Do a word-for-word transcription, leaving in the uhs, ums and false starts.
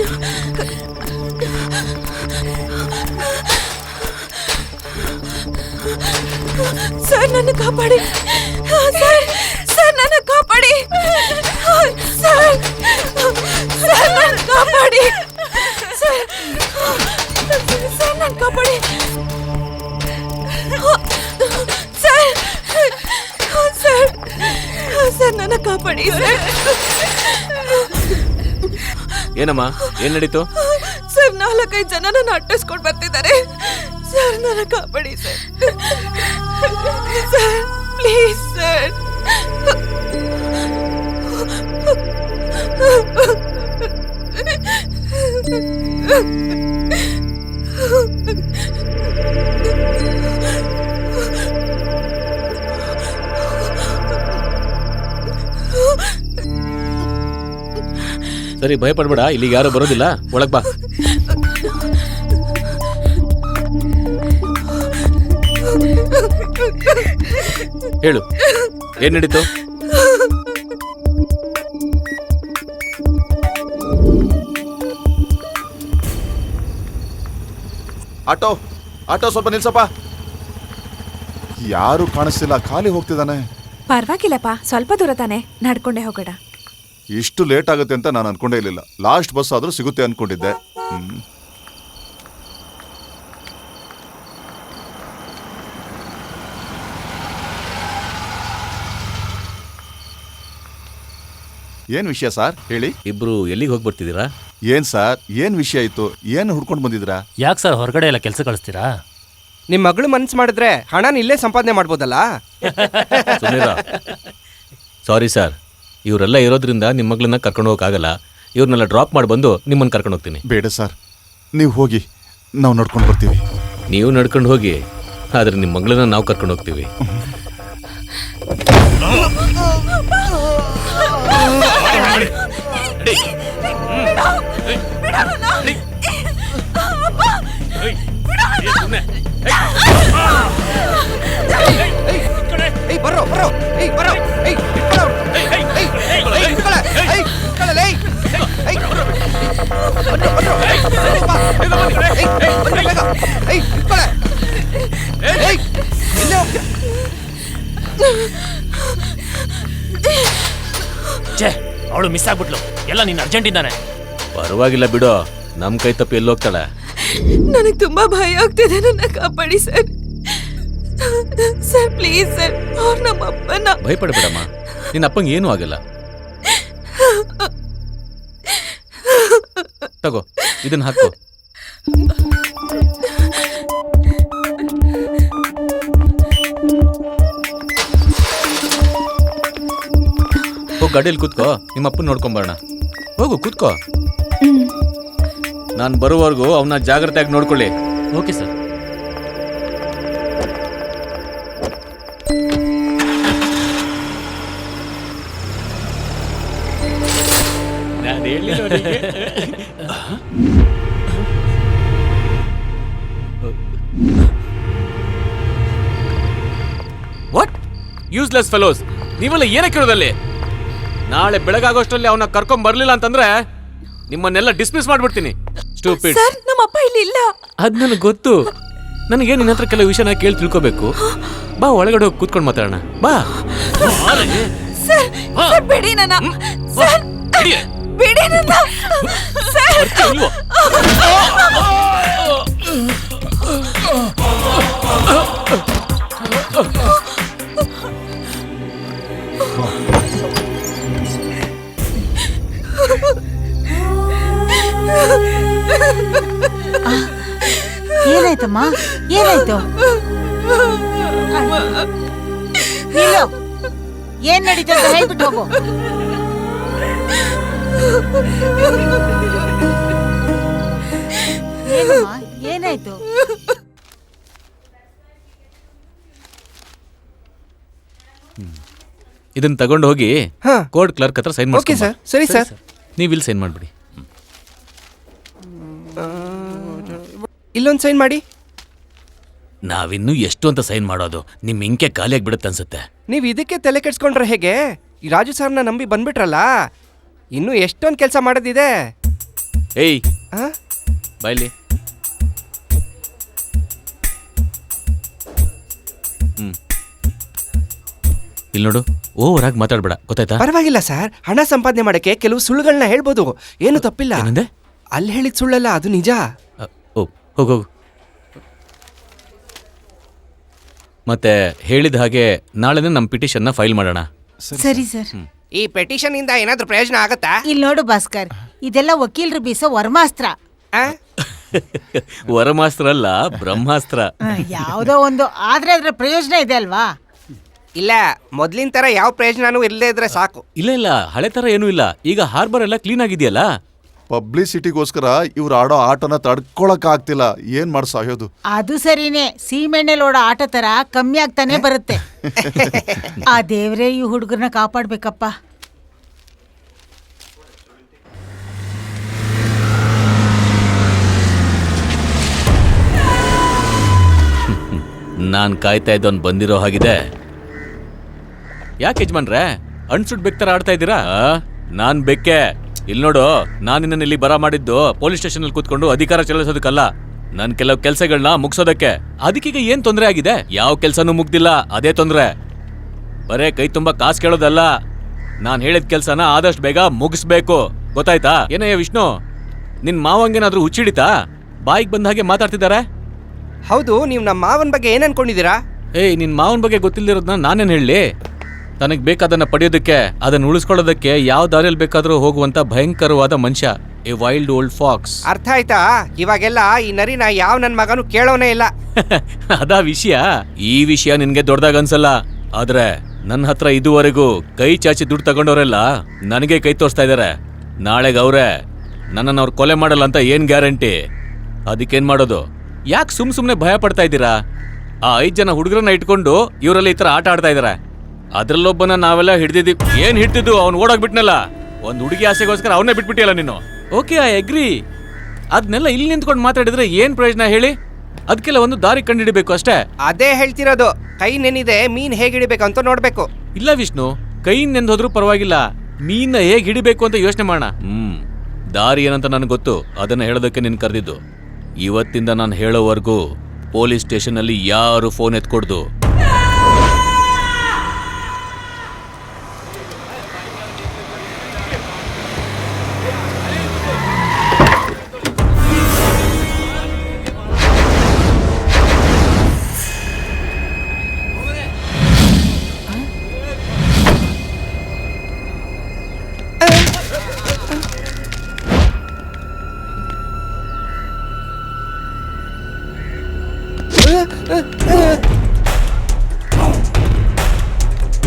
Sir ನನ್ನ ಕಾಪಾಡಿ sir sir ನನ್ನ ಕಾಪಾಡಿ ಸರ್ ಸರ್ ನನ್ನ ಕಾಪಾಡಿ ಸರ್ ಸರ್ ನನ್ನ ಕಾಪಾಡಿ ಸರ್ ಸರ್ ಸರ್ ನನ್ನ ಕಾಪಾಡಿ ಸರ್. ಏನಮ್ಮ ಏನ್ ನಡೀತು? ಸರ್ ನಾಲ್ಕೈದು ಜನ ನನ್ನ ಅಟ್ಟಿಸ್ಕೊಂಡು ಬರ್ತಿದ್ದಾರೆ ಸರ್, ನನ್ನ ಕಾಪಾಡಿ ಸರ್. Sir please sir. ಸರಿ ಭಯಪಡ್ಬೇಡ, ಇಲ್ಲಿಗೆ ಯಾರು ಬರೋದಿಲ್ಲ, ಒಳಗ್ ಬಾ. ಹೇಳು ಏನ್ ನಡೀತು? ಆಟೋ ಆಟೋ ಸ್ವಲ್ಪ ನಿಲ್ಸಪ್ಪ. ಯಾರು ಕಾಣಿಸ್ತಿಲ್ಲ, ಖಾಲಿ ಹೋಗ್ತಿದ್ದಾನೆ. ಪರವಾಗಿಲ್ಲಪ್ಪ, ಸ್ವಲ್ಪ ದೂರ ತಾನೆ, ನಡ್ಕೊಂಡೆ ಹೋಗೋಣ. ಇಷ್ಟು ಲೇಟ್ ಆಗುತ್ತೆ ಅಂತ ನಾನು ಅನ್ಕೊಂಡೇ ಇರಲಿಲ್ಲ. ಲಾಸ್ಟ್ ಬಸ್ ಆದ್ರೂ ಸಿಗುತ್ತೆ ಅನ್ಕೊಂಡಿದ್ದೆ. ಹ್ಮ್ ಏನ್ ವಿಷಯ ಸರ್ ಹೇಳಿ? ಇಬ್ರು ಎಲ್ಲಿಗೆ ಹೋಗಿ ಬರ್ತಿದ್ದೀರಾ? ಏನ್ ಸರ್ ಏನ್ ವಿಷಯ ಇತ್ತು? ಏನು ಹುಡ್ಕೊಂಡು ಬಂದಿದ್ರಾ? ಯಾಕೆ ಸರ್ ಹೊರಗಡೆ ಎಲ್ಲ ಕೆಲಸ ಕಳಿಸ್ತೀರಾ? ನಿಮ್ಮ ಮಗಳು ಮನ್ಸು ಮಾಡಿದ್ರೆ ಹಣನ ಇಲ್ಲೇ ಸಂಪಾದನೆ ಮಾಡ್ಬೋದಲ್ಲ. ಸಾರಿ ಸರ್, ಇವರೆಲ್ಲ ಇರೋದ್ರಿಂದ ನಿಮ್ಮ ಮಗಳನ್ನ ಕರ್ಕೊಂಡು ಹೋಗಕ್ಕಾಗಲ್ಲ. ಇವ್ರನ್ನೆಲ್ಲ ಡ್ರಾಪ್ ಮಾಡಿ ಬಂದು ನಿಮ್ಮನ್ನು ಕರ್ಕೊಂಡು ಹೋಗ್ತೀನಿ. ಬೇಡ ಸರ್, ನೀವು ಹೋಗಿ, ನಾವು ನಡ್ಕೊಂಡು ಬರ್ತೀವಿ. ನೀವು ನಡ್ಕೊಂಡು ಹೋಗಿ, ಆದ್ರೆ ನಿಮ್ಮ ಮಗಳನ್ನ ನಾವು ಕರ್ಕೊಂಡು ಹೋಗ್ತೀವಿ. ಬರೋ ಬರೋ ಬರೋ ಅವಳು ಮಿಸ್ ಆಗ್ಬಿಟ್ಲು, ಎಲ್ಲ ನೀನು ಅರ್ಜೆಂಟ್ ಇದ್ದಾನೆ. ಪರವಾಗಿಲ್ಲ ಬಿಡು, ನಮ್ ಕೈ ತಪ್ಪಿ ಎಲ್ಲಿ ಹೋಗ್ತಾಳೆ. ನನಗೆ ತುಂಬಾ ಭಯ ಆಗ್ತಿದೆ, ನನ್ನ ಕಾಪಾಡಿ ಸರ್. ಸರ್ ಪ್ಲೀಸ್ ಸರ್, ಅವ್ರು ನಮ್ಮ ಅಪ್ಪನ. ಭಯಪಡಬೇಡಮ್ಮ, ನಿನ್ನ ಅಪ್ಪಂಗೆ ಏನೂ ಆಗಲ್ಲ. ತಗೋ ಇದನ್ನ ಹಾಕೋ. ಹೋಗಿ ಗಾಡಿಯಲ್ಲಿ ಕೂತ್ಕೋ, ನಿಮ್ಮ ಅಪ್ಪನ ನೋಡ್ಕೊಂಬರೋಣ. ಹೋಗು ಕೂತ್ಕೋ. ನಾನು ಬರುವವರೆಗೂ ಅವನ್ನ ಜಾಗ್ರತೆಯಾಗಿ ನೋಡ್ಕೊಳ್ಳಿ. Okay sir. What useless fellows, ನೀವೆಲ್ಲ ಏನಕ್ಕೆ ಇರೋದಲ್ಲಿ? ನಾಳೆ ಬೆಳಗಾಗೋಷ್ಟರಲ್ಲಿ ಅವನ್ನ ಕರ್ಕೊಂಡ್ ಬರ್ಲಿಲ್ಲ ಅಂತಂದ್ರೆ ನಿಮ್ಮನ್ನೆಲ್ಲ ಡಿಸ್ಮಿಸ್ ಮಾಡ್ಬಿಡ್ತೀನಿ. ಸ್ಟೂಪಿಡ್. ಸರ್ ನಮ್ಮ ಅಪ್ಪ ಇಲ್ಲಿ ಇಲ್ಲ. ಅದ್ ನನಗೆ ಗೊತ್ತು. ನನಗೆ ನಿನ್ನ ಹತ್ರ ಕೆಲವು ವಿಷಯನ ಕೇಳಿ ತಿಳ್ಕೋಬೇಕು. ಬಾ ಒಳಗಡೆ ಹೋಗಿ ಕೂತ್ಕೊಂಡು ಮಾತಾಡೋಣ. ಬಾ. ಸರ್ ಸರ್ ಬಿಡಿ ನನ್ನ. ಸರ್ ಬಿಡಿ ನನ್ನ. ಸರ್ ಏನಾಯ್ತಮ್ಮ? ಏನಾಯ್ತು? ನಿಲ್ಲು. ಏನ್ ನಡೀತು ಅಂತ ಹೇಳ್ಬಿಟ್ಟು ಹೋಗು. ಏನಮ್ಮ ಏನಾಯ್ತು? ಇದನ್ನ ತಗೊಂಡು ಹೋಗಿ ಕೋರ್ಟ್ ಕ್ಲರ್ಕ್ ಹತ್ರ ಸೈನ್ ಓಕೆ ಸರ್. ಸರಿ ಸರ್, ನೀವು ಇಲ್ಲಿ ಸೈನ್ ಮಾಡ್ಬಿಡಿ. ಇಲ್ಲೊಂದು ಸೈನ್ ಮಾಡಿ. ನಾವಿನ್ನೂ ಎಷ್ಟು ಅಂತ ಸೈನ್ ಮಾಡೋದು? ನಿಮ್ ಇಂಕೆ ಖಾಲಿಯಾಗಿ ಬಿಡುತ್ತೆ ಅನ್ಸುತ್ತೆ. ನೀವು ಇದಕ್ಕೆ ತಲೆ ಕೆಡ್ಸ್ಕೊಂಡ್ರೆ ಹೇಗೆ? ಈ ರಾಜು ಸರ್ನ ನಂಬಿ ಬಂದ್ಬಿಟ್ರಲ್ಲ, ಇನ್ನೂ ಎಷ್ಟೊಂದು ಕೆಲಸ ಮಾಡೋದಿದೆ. ಏಯ್ ಆ? ಬಾಯ್ಲಿ. ಹ್ಮ್ ಇಲ್ಲಿ ನೋಡು, ಓವರ್ ಆಗಿ ಮಾತಾಡ್ಬೇಡ, ಗೊತ್ತಾಯ್ತಾ? ಪರವಾಗಿಲ್ಲ ಸರ್, ಹಣ ಸಂಪಾದನೆ ಮಾಡಕ್ಕೆ ಕೆಲವು ಸುಳ್ಳುಗಳನ್ನ ಹೇಳ್ಬೋದು, ಏನು ತಪ್ಪಿಲ್ಲ. ಏನಂದೆ? ಅಲ್ಲಿ ಹೇಳಿದ ಸುಳ್ಳಲ್ಲ, ಅದು ನಿಜ. ಅ, ಓ ಹೋಗು ಹೋಗು. ಮತ್ತೆ ಹೇಳಿದ ಹಾಗೆ ನಾಳೆನೇ ನಮ್ಮ ಪಿಟಿಷನ್ನ ಫೈಲ್ ಮಾಡೋಣ. ಸರಿ ಸರ್. ಈ ಪೆಟಿಷನ್ ಇಂದ ಏನಾದ್ರೂ ಪ್ರಯೋಜನ ಆಗತ್ತಾ? ಇಲ್ಲಿ ನೋಡು ಭಾಸ್ಕರ್, ಇದೆಲ್ಲ ವಕೀಲರು ಬೀಸೋ ವರ್ಮಾಸ್ತ್ರ. ಆ? ವರಮಾಸ್ತ್ರ ಅಲ್ಲ, ಬ್ರಹ್ಮಾಸ್ತ್ರ. ಆ, ಯಾವ್ದೋ ಒಂದು, ಆದ್ರೆ ಅದ್ರ ಪ್ರಯೋಜನ ಇದೆ ಅಲ್ವಾ? ಇಲ್ಲ, ಮೊದ್ಲಿನ ತರ ಯಾವ ಪ್ರಯೋಜನನೂ ಇಲ್ಲದೆ ಇದ್ರೆ ಸಾಕು. ಇಲ್ಲ ಇಲ್ಲ, ಹಳೆ ತರ ಏನೂ ಇಲ್ಲ. ಈಗ ಹಾರ್ಬರ್ ಎಲ್ಲ ಕ್ಲೀನ್ ಆಗಿದೆಯಲ್ಲ. ಪಬ್ಲಿಸಿಟಿಗೋಸ್ಕರ ಇವ್ರು ಆಡೋ ಆಟನ ತಡ್ಕೊಳಕ್ ಆಗ್ತಿಲ್ಲ. ಏನ್ ಮಾಡ್ ಸಾಯೋದು? ಅದು ಸರಿನೇ, ಸೀಮೆಣ್ಣೆಲ್ ಓಡೋ ಆಟ ತರ ಕಮ್ಮಿ ಆಗ್ತಾನೆ ಬರುತ್ತೆ. ಆ ದೇವ್ರೇ ಈ ಹುಡುಗರನ್ನ ಕಾಪಾಡ್ಬೇಕಪ್ಪ. ನಾನ್ ಕಾಯ್ತಾ ಇದ್ದವನ್ ಬಂದಿರೋ ಹಾಗಿದೆ. ಯಾಕೆ ಯಜಮಾನ್ರೆ ಅಣ್ಸುಡ್ ಬೆಕ್ತರ ಆಡ್ತಾ ಇದ್ದೀರಾ? ನಾನ್ ಬೆಕ್ಕೆ. ಇಲ್ಲಿ ನೋಡು, ನಾನು ನಿನ್ನ ಇಲ್ಲಿ ಬರ ಮಾಡಿದ್ದು ಪೊಲೀಸ್ ಸ್ಟೇಷನ್ ಅಲ್ಲಿ ಕೂತ್ಕೊಂಡು ಅಧಿಕಾರ ಚಲಾಯಿಸೋದಕ್ಕಲ್ಲ, ನನ್ ಕೆಲವು ಕೆಲಸಗಳನ್ನ ಮುಗಿಸೋದಕ್ಕೆ. ಅದಕ್ಕೀಗ ಏನ್ ತೊಂದರೆ ಆಗಿದೆ? ಯಾವ ಕೆಲ್ಸನೂ ಮುಗ್ದಿಲ್ಲ, ಅದೇ ತೊಂದ್ರೆ. ಬರೇ ಕೈ ತುಂಬಾ ಕಾಸು ಕೇಳೋದಲ್ಲ, ನಾನ್ ಹೇಳಿದ ಕೆಲ್ಸನ ಆದಷ್ಟು ಬೇಗ ಮುಗಿಸ್ಬೇಕು, ಗೊತ್ತಾಯ್ತಾ? ಏನಯ್ಯ ವಿಷ್ಣು, ನಿನ್ ಮಾವಂಗೇನಾದ್ರೂ ಹುಚ್ಚಿಡಿತಾ? ಬಾಯಿಗೆ ಬಂದ ಹಾಗೆ ಮಾತಾಡ್ತಿದ್ದಾರೆ. ಹೌದು, ನೀವು ನಮ್ಮ ಮಾವನ ಬಗ್ಗೆ ಏನ್ ಅನ್ಕೊಂಡಿದ್ದೀರಾ? ಏಯ್, ನಿನ್ ಮಾವನ ಬಗ್ಗೆ ಗೊತ್ತಿಲ್ದಿರೋದನ್ನ ನಾನೇನ್ ಹೇಳಿ? ತನಗ್ ಬೇಕಾದನ್ನ ಪಡೆಯೋದಕ್ಕೆ, ಅದನ್ನ ಉಳಿಸ್ಕೊಳ್ಳೋದಕ್ಕೆ ಯಾವ ದಾರಿಯಲ್ಲಿ ಬೇಕಾದ್ರೂ ಹೋಗುವಂತ ಭಯಂಕರವಾದ ಮನುಷ್ಯ, ಎ ವೈಲ್ಡ್ ಓಲ್ಡ್ ಫಾಕ್ಸ್. ಅರ್ಥ ಆಯ್ತಾ? ಇವಾಗೆಲ್ಲ ಈ ನರಿನ ಯಾವ ನನ್ ಮಗನು ಕೇಳೋನೇ ಇಲ್ಲ. ಅದಾ ವಿಷಯ. ಈ ವಿಷಯ ನಿನ್ಗೆ ದೊಡ್ಡದಾಗ ಅನ್ಸಲ್ಲ, ಆದ್ರೆ ನನ್ನ ಹತ್ರ ಇದುವರೆಗೂ ಕೈ ಚಾಚಿ ದುಡ್ಡು ತಗೊಂಡವರೆಲ್ಲ ನನಗೆ ಕೈ ತೋರಿಸ್ತಾ ಇದಾರೆ. ನಾಳೆಗೆ ಅವ್ರೆ ನನ್ನನ್ನು ಅವ್ರು ಕೊಲೆ ಮಾಡಲ್ಲ ಅಂತ ಏನ್ ಗ್ಯಾರಂಟಿ? ಅದಕ್ಕೇನ್ ಮಾಡೋದು? ಯಾಕೆ ಸುಮ್ ಸುಮ್ನೆ ಭಯ ಪಡ್ತಾ ಇದ್ದೀರಾ? ಆ ಐದ್ ಜನ ಹುಡುಗರನ್ನ ಇಟ್ಕೊಂಡು ಇವರೆಲ್ಲ ಈ ತರ ಆಟ ಆಡ್ತಾ ಇದಾರೆ. ಅದ್ರಲ್ಲೊಬ್ಬನ ನಾವೆಲ್ಲ ಹಿಡ್ದಿದ್ದೀವಿ. ಏನ್ ಹಿಡ್ತಿದ್ದು? ಅವ್ನು ಓಡೋಗ್ಬಿಟ್ನಲ್ಲ. ಒಂದ್ ಹುಡುಗಿ ಆಸೆಗೋಸ್ಕರ ಅವನ್ನೇ ಬಿಟ್ಬಿಟ್ಟಿಯಲ್ಲ ನೀನು. Okay, I agree. ಅದನ್ನೆಲ್ಲ ಇಲ್ಲಿ ನಿಂತ್ಕೊಂಡು ಮಾತಾಡಿದ್ರೆ ಏನ್ ಪ್ರಯೋಜನ ಹೇಳಿ? ಅದಕ್ಕೆಲ್ಲ ಒಂದು ದಾರಿ ಕಂಡುಹಿಡಿಬೇಕು ಅಷ್ಟೇ. ಅದೇ ಹೇಳ್ತಿರೋದು, ಕೈ ನೆನಿದೆ ಮೀನ್ ಹೇಗ್ ಹಿಡಿಬೇಕು ಅಂತ ನೋಡ್ಬೇಕು. ಇಲ್ಲ ವಿಷ್ಣು, ಕೈ ನೆಂದೋದ್ರೂ ಪರವಾಗಿಲ್ಲ, ಮೀನ್ನ ಹೇಗ್ ಹಿಡಿಬೇಕು ಅಂತ ಯೋಚನೆ ಮಾಡೋಣ. ಹ್ಮ್ ದಾರಿ ಏನಂತ ನನಗೆ ಗೊತ್ತು, ಅದನ್ನ ಹೇಳೋದಕ್ಕೆ ನಿನ್ ಕರೆದಿದ್ದು. ಇವತ್ತಿಂದ ನಾನು ಹೇಳೋವರೆಗೂ ಪೊಲೀಸ್ ಸ್ಟೇಷನ್ ಅಲ್ಲಿ ಯಾರು ಫೋನ್ ಎತ್ಕೊಡ್ದು. ಆ, ಆ, ಆ.